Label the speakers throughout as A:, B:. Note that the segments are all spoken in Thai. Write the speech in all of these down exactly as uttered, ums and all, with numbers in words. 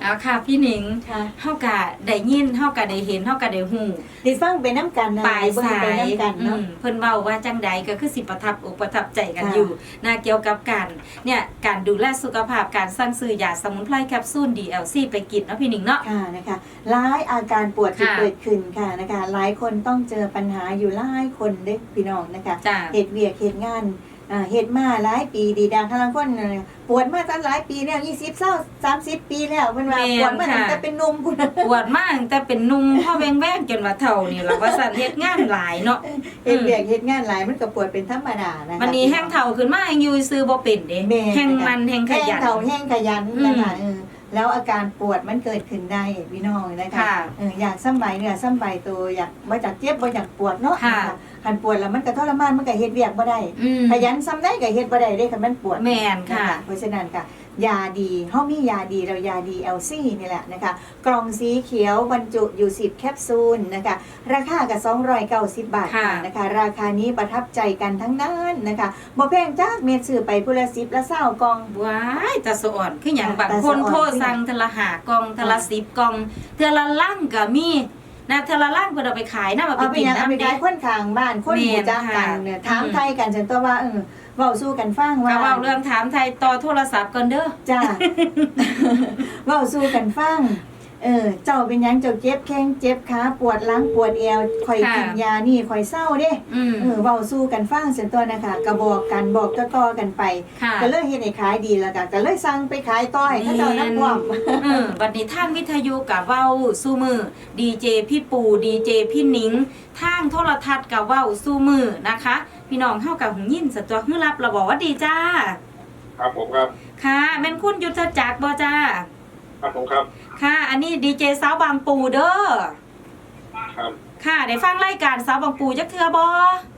A: เอาค่ะพี่หนิง
B: ค่ะ
A: เฮากะได้ยินเฮากะได้เห็นเฮากะได้ฮู้
B: ได้ฟังไปน้ำกันนะ
A: ปลายสา
B: ไป
A: ย
B: น้ำกัน
A: อื
B: เนาะ
A: มเพิ่นเว้าว่าจังใดก็คือสิประทับอกประทับใจกัน
B: ค่ะ
A: อยู่นะเกี่ยวกับการเนี่ยการดูแลสุขภาพการสั่งซื้อยาสมุนไพรแคปซูล ดี แอล ซี ไปกินเนาะพี่หนิงเนาะ
B: ค่ะนะคะหลายอาการปวดที่
A: ค่ะ
B: เกิดขึ้นค่ะนะคะหลายคนต้องเจอปัญหาอยู่หลายคนเด้อพี่น้องนะคะ
A: จ้า
B: เหตุเวียกเหตุงานอ่าเหตุมาหลายปีดีดังข้างคนน่ะปวดมาตั้งหลายปีแล้วยี่สิบเศร้าสามสิบปีแล้วเพิ่นว่า
A: แม่น
B: ปวดมาตั้ง
A: ค่ะ
B: แต่เป็นหนุ่มพุ่นน่ะ
A: ปวดมากตั้งแต่เป็นหนุ่มพ่อแว้งๆจนว่าเฒ่านี่ล่ะว่าสั่นเฮ็ดงานหลายเนาะ
B: เหตุเวียกเหตุงานหลายมันก็ปวดเป็นธรรมดานะคะ
A: วันนี้แห้งเฒ่าขึ้นมาแห้งอยู่ซื้อบ่เป็นเด้
B: แม่
A: แห้งมันแห้งข
B: แห้ง
A: ยัน
B: เข่าแห้งขยัน
A: อืม
B: นะคะเออแล้วอาการปวดมันเกิดขึ้นได้พี่น้องนะคะ
A: ค่ะ
B: เอออยากสำบายเนื้อสำบายตัวอยากบ่จากเจ็บบ่อยากปวดเนาะ
A: ค่ะ
B: นคันปวดแล้วมันก็ทรมานมันก็เฮ็ดเวียกบ่ได้
A: อืม
B: ขยันซ้ำได้ก็เฮ็ดบ่ได้เด้คันมันปวด
A: แม่นค่ะ
B: เพราะฉะนั้นค่ะยาดีเฮามียาดีเรายาดี แอล ซี นี่แหละนะคะกล่องสีเขียวบรรจุอยู่สิบแคปซูลนะคะราคาก็สองร้อยเก้าสิบบาท
A: ค่ะ
B: นะคะราคานี้ประทับใจกันทั้งนั้นนะคะบ่แพงจักเม็ดซื้อไปพุ่นละสิบละเศร้ากล่อง
A: ว้ายตาสะอ่อนคือหยัง
B: ค่ะ
A: บาง
B: ตา
A: คน
B: สะอ่อน
A: โทรสั่งเทอละหากล่องเทอละ
B: ค่ะ
A: สิบกล่องเทอละลังก็มีนะเทอละลังเพิ่นเอาไปขายนะเอาไป
B: เอาไป
A: กิน
B: ยังเอาไป
A: น้ำเด้
B: ขายคนข้างบ้านคนหมู่จักกันเนี่ยถามไทยกันฉันตัวว่าเออเว้าสู้กันฟัง
A: ก็
B: ว่า
A: เว้าเรื่องถามไทยต่อโทรศัพท์ก่อนเด้อ
B: จ้า เว้าสู้กันฟังเออเจ้าเป็นหยังเจ้าเจ็บแข้งเจ็บขาปวดหลังปวดเอวข่อย
A: ค่ะ
B: กินยานี่ข่อยเศร้าเด้
A: อืม
B: เออเว้าสู้กันฟังเสียตัวนะคะก็บอกกันบอกต่อๆกันไป
A: ค่ะ
B: ก็เลยเฮ็ดให้ขายดีแล้วก็ก็เลยสั่งไปขายต่อให้เขาเจ้านักพร้อม
A: เออบัดนี้ทางวิทยุกับเว้าสู้มือดีเจพี่ปูดีเจพี่หนิงทางโทรทัศน์กับเว้าสู้มือนะคะ พี่น้องเฮากับหงยินสตัวฮือรับเราบอกว่าดีจ้า
C: ครับผมครับ
A: ค่ะแม่นคุณยุทธจักรบ่จ้า
C: ครับผมครับ
A: ค่ะ อันนี้ดีเจสาวบางปูเด้อ
C: ครับ
A: ค่ะ ได้ฟังรายการสาวบางปูจักเทื่อบ่
C: บ่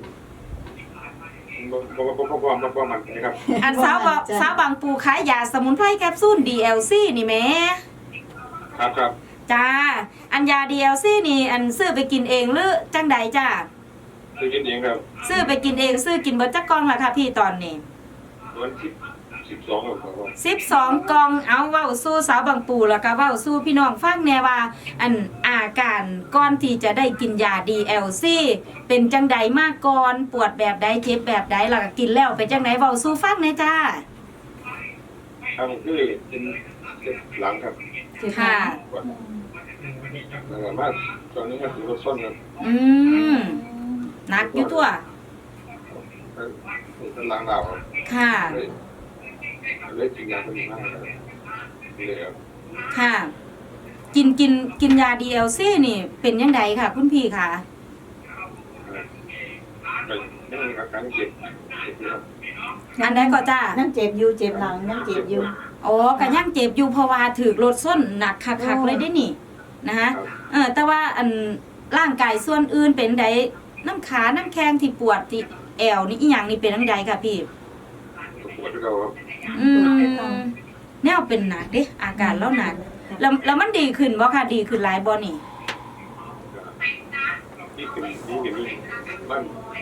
C: บ่บ่บ่บ่บ่บ่มันนะครับ
A: อันสาวบะ
B: จ้ะ
A: สาวบางปูขายยาสมุนไพรแคปซูล ดี แอล ซี นี่แหม
C: ครับครับ
A: จ้า อันยา ดี แอล ซี นี่ อันซื้อไปกินเองหรือจังใดจ้า
C: ซื้อกินเองครับ
A: ซื้อไปกินเองซื้อกินเบิดจักกล่องล่ะค่ะพี่ตอนนี้
C: วันที่สิบสองครับผม
A: สิบสองกล่องเอาเว้าสู้สาวบางปูแล้วก็เว้าสู้พี่น้องฟังแน่ว่า อันอาการก่อนที่จะได้กินยา ดี แอล ซี เป็นจังใดมาก่อนปวดแบบใดเจ็บแบบใดแล้วก็กินแล้วเป็นจังไดเว้าสู้ฟังแน่จ้า
C: ครับผมคือเป็นเป็นหลังครับ
A: ค่ะ
C: ปวดนะครับมาตอนนี้ก็ถือว่าส้นครับ
A: อืมหนักอยู่ตัว
C: เป็นหลังเราครับ
A: ค่ะ
C: เลยเลยกินยาตัวนี้มากครับเลยครับ
A: ค่ะ กินกินกินยา ดี แอล ซี นี่เป็นยังไงค่ะ คุณพี่ค่ะ
C: ไปยังมีอาการเจ็บเจ็บอยู่ครับ
A: อันใดก็จ้า
B: นั่งเจ็บอยู่เจ็บหลังนั่งเจ็บอยู่
A: อ๋อก็ยังเจ็บอยู่เพราะว่าถือรถส้นหนักคักๆเลยได้นี่นะคะ
C: ครับ
A: เออแต่ว่าอันร่างกายส่วนอื่นเป็นใดน้ำขาน้ำแข้งที่ปวดที่แอวนี่อีหยังนี่เป็นจังไดค่ะพี่
C: ปวดที่เราครับ
A: อืมแนวเป็นหนักเด้อาการแล้วหนักแล้วแล้วมันดีขึ้นบ่ค่ะดีขึ้นหลายบ่นี่
C: นี่คือนี่คือนี่บ้าน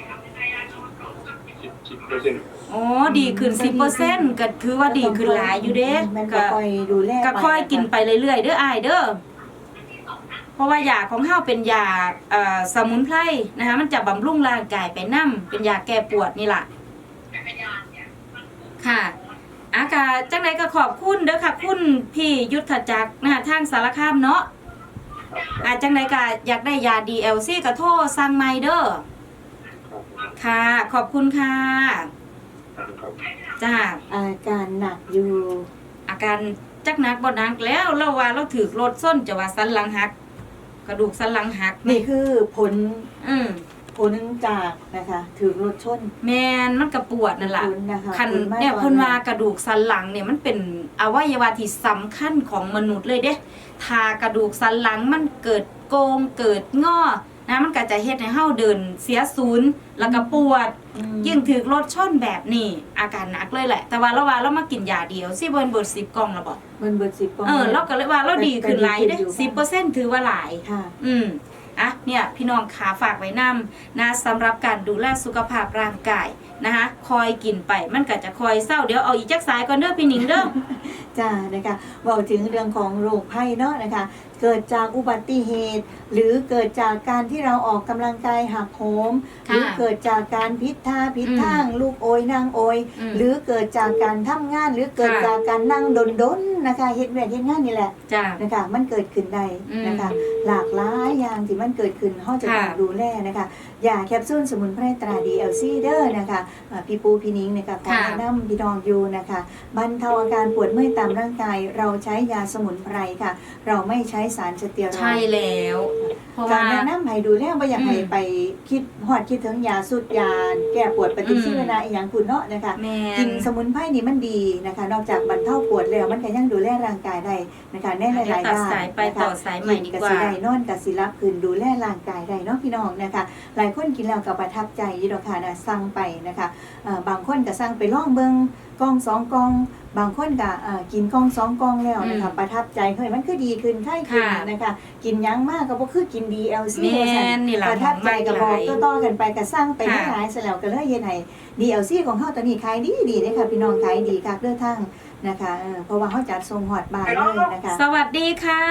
C: สิบสิบเปอร์เซ็นต์
A: อ๋อดีขึ้น สิบเปอร์เซ็นต์ ก็ถือว่าดีขึ้นหลายอยู่เด้
B: มันก็
A: ก็
B: คอยดูแล
A: ก็ค่อยกินไปเรื่อยๆเด้ออ้ายเด้อเพราะว่ายาของเฮาเป็นยาเอ่อสมุนไพรนะคะมันจะบำรุงร่างกายไปนํเป็นยาแก้ปวดนี่ล่ะค่ะอากาจังไดก็ขอบคุณเด้อค่ะคุณพี่ยุทธจักรนะคะทางสารคามเนาะ
C: ครับ
A: อาจังไดก็อยากได้ยา ดี แอล ซี ก็โทรสั่งใหม่เด้อ
C: ครับ
A: ค่ะ ขอบคุณค่ะ
C: ครับครับ
A: จ้า
B: อาการหนักอยู่
A: อาการจักหนักบ่หนักแล้วเราว่าเราถือรถส้นจะว่าสันหลังหัก กระดูกสันหลังหัก
B: นี่คือผล
A: อืม
B: ผลจากนะคะถือรถชน
A: แมนมันกระปวดนั่นล่ะ
B: ผลนะคะ
A: คัน
B: ผลมาก
A: เนี่ย
B: กว่า
A: เพิ่นว่ากระดูกสันหลังเนี่ยมันเป็นอวัยวะที่สำคัญของมนุษย์เลยเด้ถ้ากระดูกสันหลังมันเกิดโกงเกิดงอนะมันก็จะเฮ็ดให้เฮาเดินเสียศูนย์แล้วก็ปวด
B: อืม
A: ยิ่งถือรถชนแบบนี้อาการหนักเลยแหละ แต่ว่าเราว่าเรามากินยาเดียวสิเบิ่นเบิดสิบกล่องแล้วบ่
B: มันเบิดสิบกล่อง
A: เออเราก็เลยว่าเราดีขึ้นหลายเด้
B: ก็ดีขึ้นอยู่
A: สิบเปอร์เซ็นต์ถือว่าหลาย
B: ค่ะ
A: อืมอ่ะเนี่ยพี่น้องขาฝากไว้นำนะสำหรับการดูแลสุขภาพร่างกายนะคะคอยกินไปมันก็จะคอยเศร้าเดี๋ยวเอาอีกจักสายก่อนเด้อพี่หนิงเด้อ
B: จ้านะคะเว่าถึงเรื่องของโรคภัยเนาะนะคะเกิดจากอุบัติเหตุ หรือเกิดจากการที่เราออกกำลังกายหักโหมหรือเกิดจากการพิษท่าพิษทางลูกโอยนางโอย
A: อืม
B: หรือเกิดจากการทำงานหรือเกิด
A: ค่ะ
B: จากการนั่งดนๆนะคะเฮ็ดเวียกเฮ็ดงานนี่แหละ
A: จ้า
B: นะคะมันเกิดขึ้นได้
A: อืม
B: นะคะหลากหลายอย่างที่มันเกิดขึ้นเฮาจะต้อง
A: ค่ะ
B: ดูแลนะคะยาแคปซูลสมุนไพรตรา ดี แอล ซี เด้อนะคะอ่าพี่ปูพี่นิ้งนะคะขอ
A: ค่ะ
B: แนะนำพี่น้องอยู่นะคะบรรเทาอาการปวดเมื่อยตามร่างกายเราใช้ยาสมุนไพรค่ะ เราไม่ใช้สารสเตียรอยด์
A: ใช่แล้วเพราะ
B: กา
A: ว่า
B: รแนะนำให้ดูแลบ่อยากให้
A: อืม
B: ไปคิดฮอดคิดถึงยาสุดยาแก้ปวดปฏิชีวนะอีหยังคุณเนาะนะคะ
A: แม่
B: กินสมุนไพรนี่มันดีนะคะ นอกจากบรรเทาปวดแล้วมันก็ยังดูแลร่างกายได้นะคะในหลายๆ
A: ตัด
B: ด้าน
A: สายไป
B: นะคะ
A: ต่อสายใหม่ดี
B: กิน
A: กว่า
B: สิได้นอนกับสิรับคืนดูแลร่างกายได้เนาะพี่น้องนะคะ หลายคนกินแล้วก็ประทับใจอยู่ดอกค่ะนะสั่งไปนะคะเอ่อบางคนก็สั่งไปลองเบิ่งกล่องสองกล่อง บางคนก็เอ่อกินกล่องสองกล่องแล้วนะคะ
A: อืม
B: ประทับใจเฮ้ยมันคือดีขึ้นไข้ขึ้น
A: ค่ะ
B: นะคะ กินหยังมากก็บ่คือกิน ดี แอล ซี
A: แม่นนี่ล่ะ
B: ประทับใจก็บอก
A: มากหลาย
B: ต่อๆกันไปก็สั่งไป
A: ค่ะ
B: หลายๆซะแล้วก็เลยเฮ็ดให้ ดี แอล ซี ของเฮาตอนนี้ขายดีดีเด้ค่ะพี่น้องขายดีคักเด้อทั้งนะคะเออเพราะว่าเฮาจัดส่งฮอดบ้านเลยนะคะ
A: สวัสดีค่ะ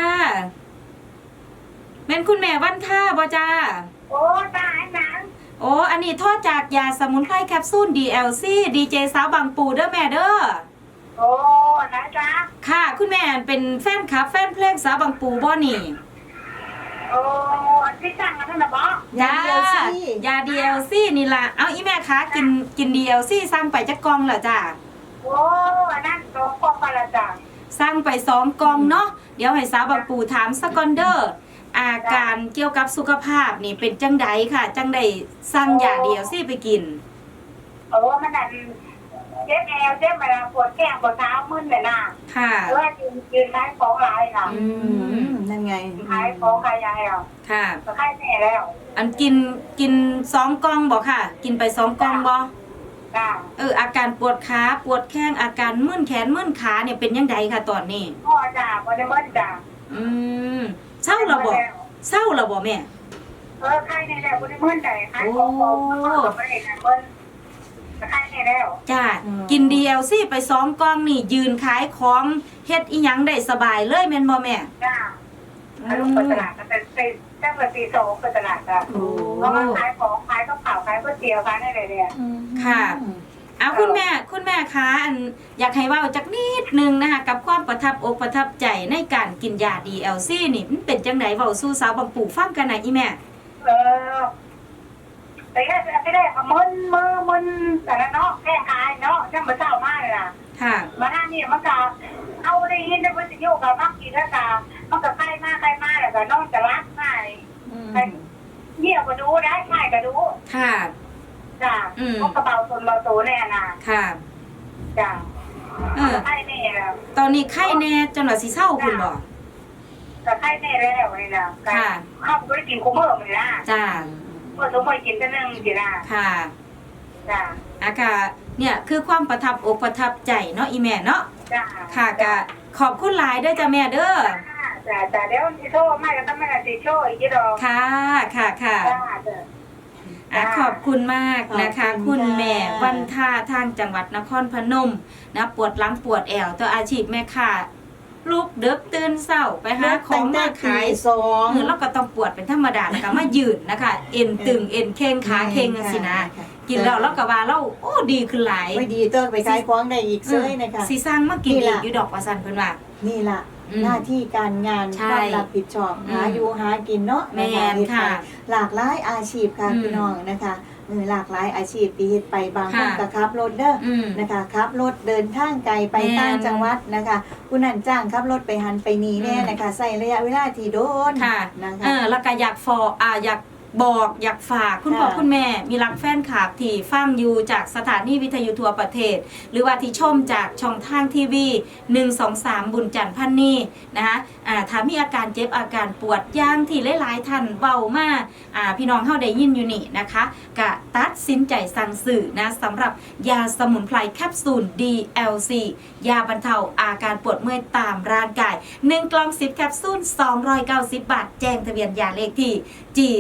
A: แม่นคุณแม่วันท่าบ่จ้า
D: โอ้ตายหนัง
A: โอ้ อันนี้โทษจากยาสมุนไพรแคปซูล ดี แอล ซี ดีเจสาวบางปูเด้อแม่เด้อ
D: โอ้นะจ๊ะ
A: ค่ะ คุณแม่เป็นแฟนคลับ แฟนเพลงสาวบางปูบ่นี่
D: โอ้ที่สั่งกันนั่นนะบอ
B: ยา ดี แอล ซี
A: ยา ดี แอล ซี นี่ล่ะ เอาอีแม่คะกินกิน ดี แอล ซี สั่งไปจักกล่องเหรอจ้า
D: โอ้นั่นโตปอกกันละจ้ะ
A: สั่งไปสองกล่องเนาะเดี๋ยวให้สาวบางปูถามสกอนเดอร์อาการเกี่ยวกับสุขภาพนี่เป็นจังใดค่ะ จังใดสั่งยา ดี แอล ซี ไปกิน
D: โอ้มันนั่นเจ็บแอวเจ็บมาปวดแก้มปวดเท้ามึนเลยนะ
A: ค่ะ
D: เออยืนยืนขายของหลายค่ะ
A: อื
B: อื
A: ม
B: มนั่นไง
D: ขายของขายยาแล้ว
A: ค่ะ
D: ก็ขายแม่แล้ว
A: อันกินกินสองกล่องบ่ค่ะ กินไปสองกล่องบ่
D: จ้ะ
A: เอออาการปวดขาปวดแข้งอาการมึนแขนมึนขาเนี่ยเป็นยังไงค่ะตอนนี้
D: พ่อจ้ะบริเวณจ้ะ
A: อืมเศร้าแล้วบ่เศร้าแล้วบ่แม่
D: เออขายในแล้วบริเวณใจขายของของกับประเด็นนั้นเบิ้ลขายในแล้ว
A: จ้ากิน ดี แอล ซี ไปสองกล่องนี่ยืนขายของเฮ็ดอีหยังได้สบายเลยแม่นบ่แม่
D: จ้ะแล้วลูกไปตลาดก็เป็นตีตั้งแต่ตีสองไปตลาดจ้ะ
B: โอ้
D: เพราะว่าขายของขายข้าวเปล่าขายก๋วยเตี๋ยวขายอะไรเนี่ย
A: ค่ะ เอาคุณแม่คุณแม่คะอันอยากให้เว้าจักนิดนึงนะคะกับความประทับอกประทับใจในการกินยา ดี แอล ซี นี่มันเป็นจังไดเว้าสู่สาวบางปู่ฟังกันหน่อยอีแม่
D: เออแต่ก็ไม่ได้มึนมือมึนแต่ละเนาะแค่ขายเนาะช่างมาเศร้ามากเลยล่ะ
A: ค่ะ
D: มาหน้านี่มันก็เอาได้ยินได้วิทยุกับมักกินแล้วก็มันก็ใกล้มากใกล้มากแล้วก็น้องจะรักง่ายเยี่ยก็ดูได้ง่ายก็ดู
A: ค่ะ
D: จ้ะ
A: อืม
D: พวกกระเป๋าตนเราโตแน่น่ะ
A: ค่ะ
D: จ้ะ
A: เออ
D: ไข่แน่แล้ว
A: ตอนนี้ไข้แน่จนว่าสิเศร้าคุณบ่
D: แต่ไข่แน่แล้วนี่นะ
A: ค่ะ
D: ข้าวก็ได้กินคุ้มเมื่อมันนะ
A: จ้า
D: เมื่อสมมติกินแต่นึงสินะ
A: ค่ะ
D: จ้ะ
A: อากาเนี่ยคือความประทับอกประทับใจเนาะอีแม่เนาะ
D: จ้ะ
A: ค่ะกะขอบคุณหลายเด้อจ้าแม่เด้อ
D: จ้ะจ้ะเดี๋ยวสิโทรไม่ก็ต้องไม่ได้สิโทรอีกทีดอก
A: ค่ะ ค่ะค่ะ
D: จ้ะจ้ะ
A: อ่ะขอบคุณมากนะคะ
B: ขอบคุ
A: คุณ
B: ณค่ะ
A: แม่วันท่าทางจังหวัดนครพนมนะปวดหลังปวดแอวตัวอาชีพแม่ค่ะลูกเด็กตื่นเศร้าไปหาของมาขาย
B: สอง
A: เออแล้วก็ต้องปวดเป็นธรรมดาแล้วก็มายืนนะคะ เอ็นตึงเอ็นเข่งขาเข่งจังสินะ กินแล้วแล้วก็ว่าเราโอ้ดีขึ้นหลาย
B: ไม่ดีเติร์ไปขายของได้อีกเซ้ยนะคะ
A: สีสร้างมากิน
B: นี่
A: อี
B: ล่ะ
A: กอยู่ดอกว่าสันเพิ่นว่า
B: นี่ล่ะ
A: อืม
B: หน้าที่การงาน
A: ใช่
B: ความรับผิดชอบ
A: อืม
B: หาอยู่หากินเนาะ
A: แม่น
B: เฮ็ดไป
A: ค่ะ
B: หลากหลายอาชีพค่ะ
A: อืม
B: พี่น้องนะคะเออหลากหลายอาชีพที่เฮ็ดไปบางคน
A: ค่ะ
B: ก็ขับรถเด้อ
A: อืม
B: นะคะขับรถเดินทางไกลไป
A: แม่น
B: ต่างจังหวัดนะคะผู้นั้นจ้างขับรถไปหันไปนีแน่
A: อืม
B: นะคะใส่ระยะเวลาที่โดน
A: ค่ะ
B: นะคะ
A: เออแล้วก็อยากฟออ่าอยากบอกอยากฝากคุณพ่อ
B: ค่ะ
A: คุณแม่มีรักแฟนคลับที่ฟังอยู่จากสถานีวิทยุทั่วประเทศ หรือว่าที่ชมจากช่องทางทีวีหนึ่ง สอง สามบุญจันทร์พันนี่นะคะอ่าถ้ามีอาการเจ็บอาการปวดย่างที่หลายๆท่านเบามากอ่าพี่น้องเฮาได้ยินอยู่นี่นะคะกะตัดสินใจสั่งซื้อนะสำหรับยาสมุนไพรแคปซูล ดี แอล ซี ยาบรรเทาอาการปวดเมื่อยตามร่างกายหนึ่งกล่องสิบแคปซูลสองร้อยเก้าสิบบาทแจ้งทะเบียนยาเลขที่ จี สี่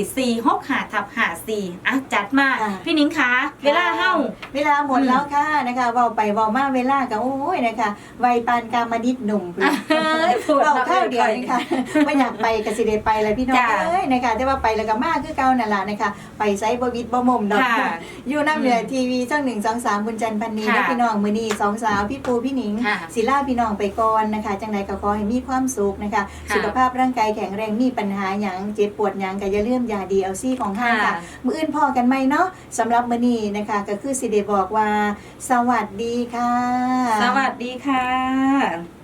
A: หกห้าทับห้าสี่อ่ะจัดมา
B: อ่ะ
A: พี่หนิงคะเวลาเฮา
B: เวลาหมดแล้วค่ะนะคะเว้าไปเว้ามาเวลาก็โอ้ยนะคะวัยปานกามนิดหนุ่ม
A: เอ้ยปวด
B: เว้า
A: เรา
B: ข้าวเดียว
A: อ้
B: นี่ค่ะไม่อยากไปก็สิได้ไปแล้วพี่น้อง
A: จ้ะ
B: เอ้ยนะคะแต่ว่าไปแล้วก็มาคือเก่านั่นล่ะนะคะไปไสบ่วิดบ่มุมดอก
A: ค่ะ
B: อยู่น้ำเหนือทีวีช่องหนึ่ง สอง สามบุญจันทร์พันนี
A: ค่ะ
B: และพี่น้องมื้อนี้สองสาวพี่ปูพี่หนิง
A: ค่ะ
B: ศิลาพี่น้องไปก่อนนะคะจังใดก็ขอให้มีความสุขนะคะ
A: ค่ะ
B: สุขภาพร่างกายแข็งแรงมีปัญหาหยังเจ็บปวดหยังก็อย่าลืมยา ดี แอล ซี ของท่านค่ะ
A: ค่ะ
B: มื้ออื่นพอกันไหมเนาะสำหรับมื้อนี้นะคะก็คือสิได้บอกว่า สวัสดีค่ะ
A: สวัสดีค่ะ